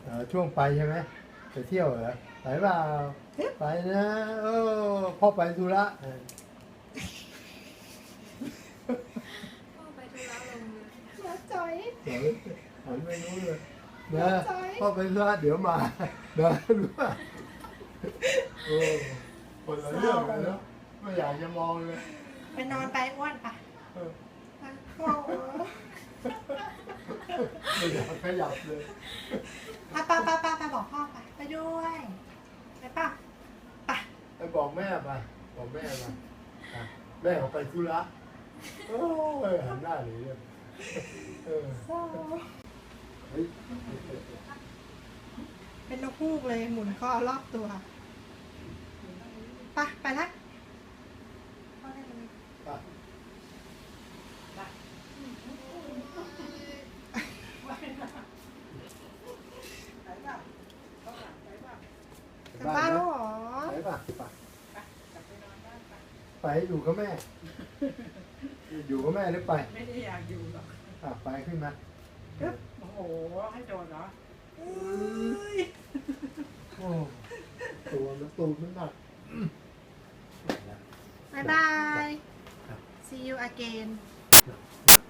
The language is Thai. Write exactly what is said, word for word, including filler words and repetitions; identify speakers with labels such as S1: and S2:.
S1: เออช่วงไปใช่ไหมไปเที่ยวเหรอไปเปล่าไปนะเออพ่อไปธุระเออ
S2: พ่อไปธุระลงเรือ
S3: นะจอย
S1: เดี๋ยวหันไม่รู้เลยนะพ่อไปธุระเดี๋ยวมานะรู้ป่ะโอ้คนละเรื่องกันเนาะไม่อยากจะมองเลย
S3: ไปนอนไปอ้วนปะ
S1: เออ
S3: โอ้โห
S1: ไม่อยากขยับเลย
S3: อ่ะป้าป้าป้าป้าบอกพ่อไปไปด้วยไปป่ะไป
S1: ไปบอกแม่มาบอกแม่มาอ่ะแม่เขาไปธุระโอ้ยหันหน้าหนีเลยเออ
S3: โซ่
S1: เฮ้ย
S3: เป็นนกฮูกเลยหมุนคอรอบตัวไปไปละพ่อได้เลย
S1: ไป
S3: กลับบ้านแล้วเหรอ
S1: ไปป่ะไปไปอยู่กับแม่ อยู่กับแม่หรือไป
S4: ไม่ได้อยากอยู่หรอก
S1: อ่ะไปขึ้นมา
S4: โอ้โห ให้โดนเหรอ
S3: เอ้ย
S1: โอ้ตัวมันตูดมันหนัก
S3: บายบาย see you again